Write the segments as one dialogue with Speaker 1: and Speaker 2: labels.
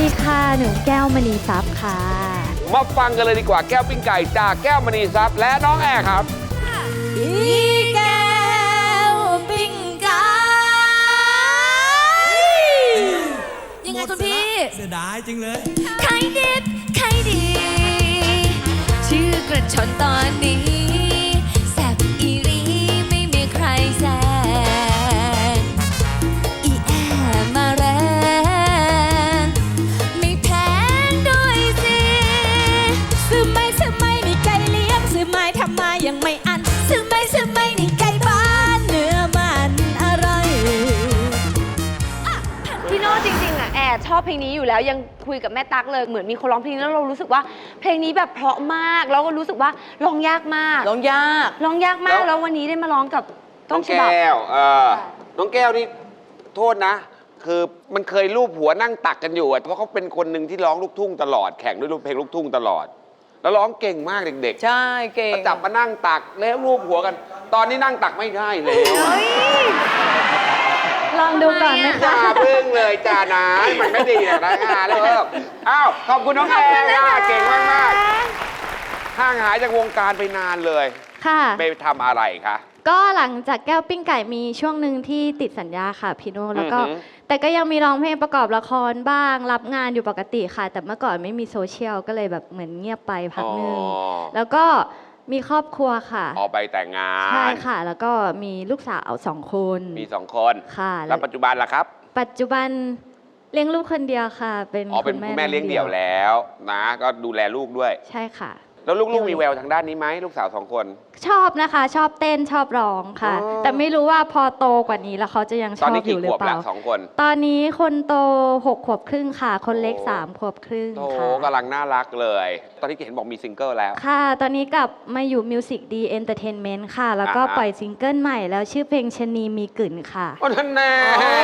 Speaker 1: ค่ะหนูแก้วมณีทรัพย์ค่ะ
Speaker 2: มาฟังกันเลยดีกว่าแก้วปิ้งไก่จากแก้วมณีทรัพย์และน้องแอร์ครับ
Speaker 3: อีแก้วปิ้งไก่ยังไงคุณพี่
Speaker 4: เสียดายจริงเลย
Speaker 3: ไข่ดิบไข่ดีชื่อกระชอนตอนนี้แซ่บอีรีไม่มีใครแซงอีแอมาแรงไม่แพงด้วยสิซื้อไม่นี่ไก่เลี้ยงซื้อไม่ทำมายังไม่อันซื้อไม่นี่ไก่บ้านเนื้อมันอร่อย
Speaker 1: พี่โน่จริงๆอ่ะแอร์ชอบเพลงนี้อยู่แล้วยังคุยกับแม่ตั๊กเลยเหมือนมีคนร้องเพลงนี้แล้วเรารู้สึกว่าเพลงนี้แบบเพราะมากแล้วก็รู้สึกว่าร้องยากมาก
Speaker 5: ร้องยาก
Speaker 1: มากแล้ววันนี้ได้มาร้องกับต้นฉบับ
Speaker 2: น้องแก้วน้องแก้วนี่โทษนะคือมันเคยรูปหัวนั่งตักกันอยู่เพราะเขาเป็นคนหนึ่งที่ร้องลูกทุ่งตลอดแข่งด้วยเพลงลูกทุ่งตลอดแล้วร้องเก่งมากเด็กๆ
Speaker 5: ใช่เก่ง
Speaker 2: จับมานั่งตักแล้วรูปหัวกันตอนนี้นั่งตักไม่ได้แล้ว
Speaker 1: ลองดูก่อนนะคะ
Speaker 2: อย่าพึ่งเลยจ้านะมันไม่ดีนะเลยอ้าวขอบคุณน้องแอร์เก่งมากๆห่างหายจากวงการไปนานเลย
Speaker 1: ค่ะ
Speaker 2: ไปทำอะไรคะ
Speaker 1: ก็หลังจากแก้วปิ้งไก่มีช่วงหนึ่งที่ติดสัญญาค่ะพี่โน่แล้วก็แต่ก็ยังมีร้องเพลงประกอบละครบ้างรับงานอยู่ปกติค่ะแต่เมื่อก่อนไม่มีโซเชียลก็เลยแบบเหมือนเงียบไปพักนึงแล้วก็มีครอบครัวค่ะ
Speaker 2: ออกไปแต่งงาน
Speaker 1: ใช่ค่ะแล้วก็มีลูกสาว2 คน
Speaker 2: มี2 คน
Speaker 1: ค่ะ
Speaker 2: แล้วปัจจุบันล่ะครับ
Speaker 1: ปัจจุบันเลี้ยงลูกคนเดียวค่ะเป็น
Speaker 2: คุณแม่เลี้ยงเดี่ยวแล้วนะก็ดูแลลูกด้วย
Speaker 1: ใช่ค่ะ
Speaker 2: แล้วลูกๆมีแววทางด้านนี้ไหมลูกสาว2 คน
Speaker 1: ชอบนะคะชอบเต้นชอบร้องค่ะแต่ไม่รู้ว่าพอโตกว่านี้แล้วเขาจะยังชอบอยู่หรือเปล่า
Speaker 2: 2 คน
Speaker 1: ตอนนี้คนโต6 ขวบครึ่งค่ะคนเล็ก3 ขวบครึ่งค่ะ
Speaker 2: กำลังน่ารักเลยตอนนี้เห็นบอกมีซิงเกิลแล้ว
Speaker 1: ค่ะตอนนี้กลับมาอยู่ Music D Entertainment ค่ะแล้วก็ปล่อยซิงเกิลใหม่แล้วชื่อเพลงชะนีมีกลิ่นค่ะ
Speaker 2: นั่นแน่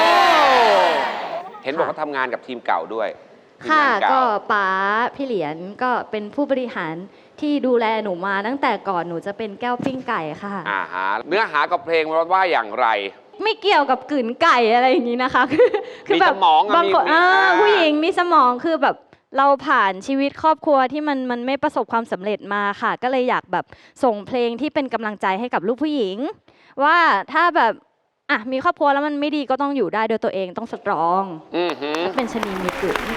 Speaker 2: เห็นบอกว่าทำงานกับทีมเก่าด้วย
Speaker 1: ค่ะก็ป๋าพี่เหรียญก็เป็นผู้บริหารที่ดูแลหนูมาตั้งแต่ก่อนหนูจะเป็นแก้วปิ้งไก่ค่ะ
Speaker 2: เนื้อหากับเพลงว่าอย่างไร
Speaker 1: ไม่เกี่ยวกับกลืนไก่อะไรอย่างนี้นะคะ
Speaker 2: คือแบบ
Speaker 1: บางคนผู้หญิงมีสมองคือแบบเราผ่านชีวิตครอบครัวที่มันไม่ประสบความสำเร็จมาค่ะก็เลยอยากแบบส่งเพลงที่เป็นกำลังใจให้กับลูกผู้หญิงว่าถ้าแบบมีครอบครัวแล้วมันไม่ดีก็ต้องอยู่ได้โดยตัวเองต้องสตรองเป็นชนีมีกลิ่น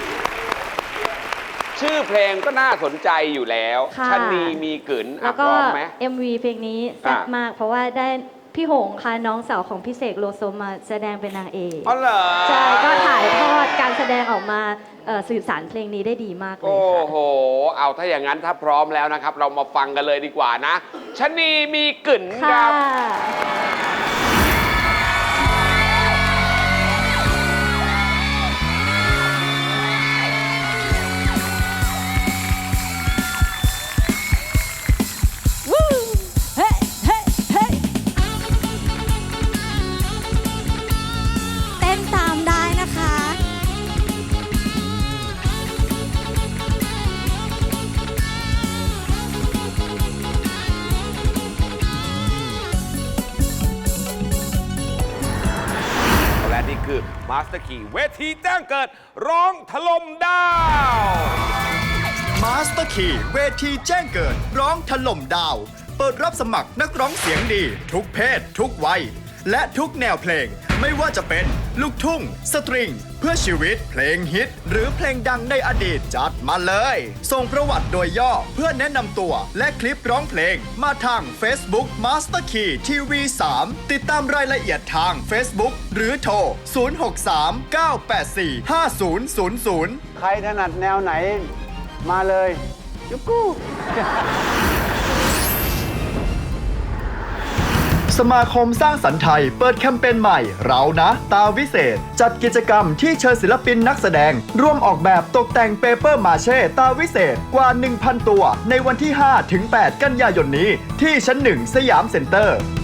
Speaker 2: ชื่อเพลงก็น่าสนใจอยู่แล้วชนีมีกลิ่น
Speaker 1: แล้วก็ MV เพลงนี้แซ่บมากเพราะว่าได้พี่หงค่ะน้องสาวของพี่เสกโลโซมาแสดงเป็นนางเอก
Speaker 2: อ๋อเหรอ
Speaker 1: ใช่ก็ถ่ายทอดการแสดงออกมาสื่อสารเพลงนี้ได้ดีมากเลยค่ะ
Speaker 2: โอ้โหเอาถ้าอย่างนั้นถ้าพร้อมแล้วนะครับเรามาฟังกันเลยดีกว่านะชนีมีกลิ่นครับคือมาสเตอร์คีเวทีแจ้งเกิดร้องถล่มดาว
Speaker 6: มาสเตอร์คีเวทีแจ้งเกิดร้องถล่มดาวเปิดรับสมัครนักร้องเสียงดีทุกเพศทุกวัยและทุกแนวเพลงไม่ว่าจะเป็นลูกทุ่งสตริงเพื่อชีวิตเพลงฮิตหรือเพลงดังในอดีตจัดมาเลยส่งประวัติโดยย่อเพื่อแนะนำตัวและคลิปร้องเพลงมาทาง Facebook Master Key TV 3ติดตามรายละเอียดทาง Facebook หรือโทร 063-984-5000
Speaker 7: ใครถนัดแนวไหนมาเลยยุกู้
Speaker 6: สมาคมสร้างสรรค์ไทยเปิดแคมเปญใหม่เรานะตาวิเศษจัดกิจกรรมที่เชิญศิลปินนักแสดงร่วมออกแบบตกแต่งเปเปอร์มาเช่ตาวิเศษกว่า 1,000 ตัวในวันที่ 5-8 กันยายนนี้ที่ชั้น 1 สยามเซ็นเตอร์